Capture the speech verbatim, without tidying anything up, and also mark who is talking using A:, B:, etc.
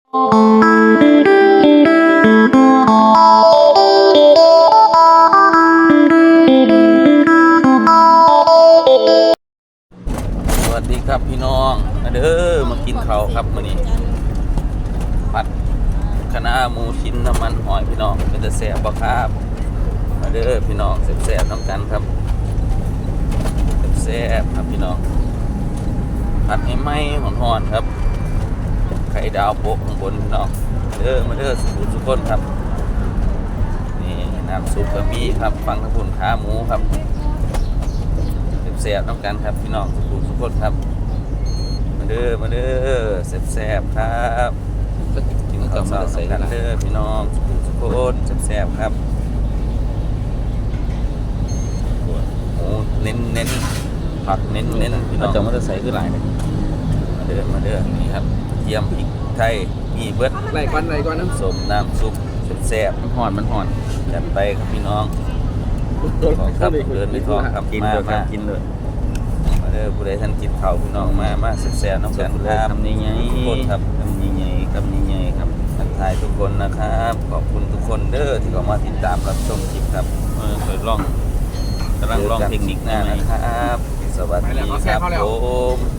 A: สวัสดีครับพี่น้องมาเด้อมากินข้าวครับมื้อนี้ผัดคะน้าหมูชิ้นน้ำมันหอยพี่น้องเป็นแต่แซ่บบ่ครับมาเด้อพี่น้องแซ่บๆน้ำกันครับแซ่บๆครับพี่น้องผัดให้ไหม้หอนๆครับไข่ดาวโปะข้างบนพี่น้องเด้อมาเด้อสุขุทุกคนครับนี่น้ำซุปกะปิครับฟังทั้งคุณขาหมูครับแซ่บๆน้ำกันครับพี่น้องสุขุทุกคนครับมาเด้อมาเด้อแซ่บๆครับกินข้าวเช้าใส่กันเด้อพี่น้องสุขุทุกคนแซ่บๆครับหมูเน้นเน้นผักเน้นเน้นพี่น้องจะมาใส่คือหลายเลยมาเด้อมาเด้อนี่ครับเทียมพริกไทยมีเบิดไหลก้อนไหลก้อนน้ำส้มน้ำซุปแซ่บมันห่อนมันห่อนจัดไปครับพี่น้องครับเดินไปท้องครับกินเลยครับกินเลยมาเด้อผู้ใดท่านกินข้าวพี่น้องมามาแซ่บๆน้ำกันครับทำยังไงทุกคนครับทำยังไงทำยังไงครับทักทายทุกคนนะครับขอบคุณทุกคนเด้อที่เข้ามาติดตามรับชมคลิปครับเออเคยลองกำลังลองเทคนิคหน้านะครับสวัสดีครับผม